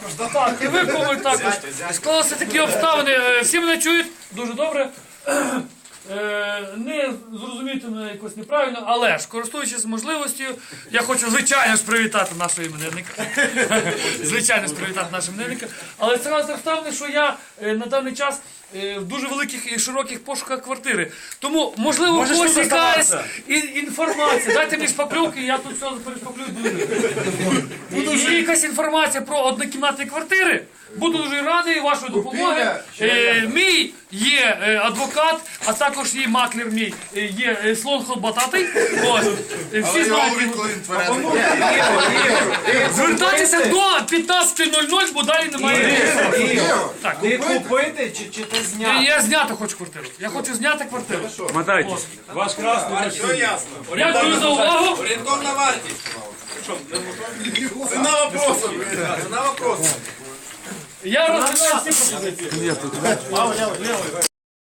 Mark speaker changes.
Speaker 1: Так, і ви кому також. Склалися такі обставини. Всі мене чують дуже добре. Не зрозуміти мене якось неправильно, але ж, користуючись можливістю, я хочу, звичайно ж, привітати нашого іменинника. Звичайно ж, привітати нашого іменинника. Але це раз обставини, що я на даний час в дуже великих і широких пошуках квартири. Тому, можливо, у когось якась інформація. Дайте мені шпаклювки, я тут все перешпаклюю дуже. Є якась інформація про однокімнатні квартири. Буду дуже радий вашої допомоги. Мій є адвокат, а також є маклер мій, є слон Холбататий. Всі знають. Звертайтеся до 15:00, бо далі немає.
Speaker 2: Ти купити чи ти зняти?
Speaker 1: Я зняти хочу квартиру. Я хочу зняти квартиру.
Speaker 3: Мотайтесь. Ваш красный.
Speaker 4: Все ясно.
Speaker 1: Дякую за увагу.
Speaker 4: Орієнтовна вартість. Ціна вопросу. Ціна вопросу.
Speaker 1: Я розглядаю всі пропозиції.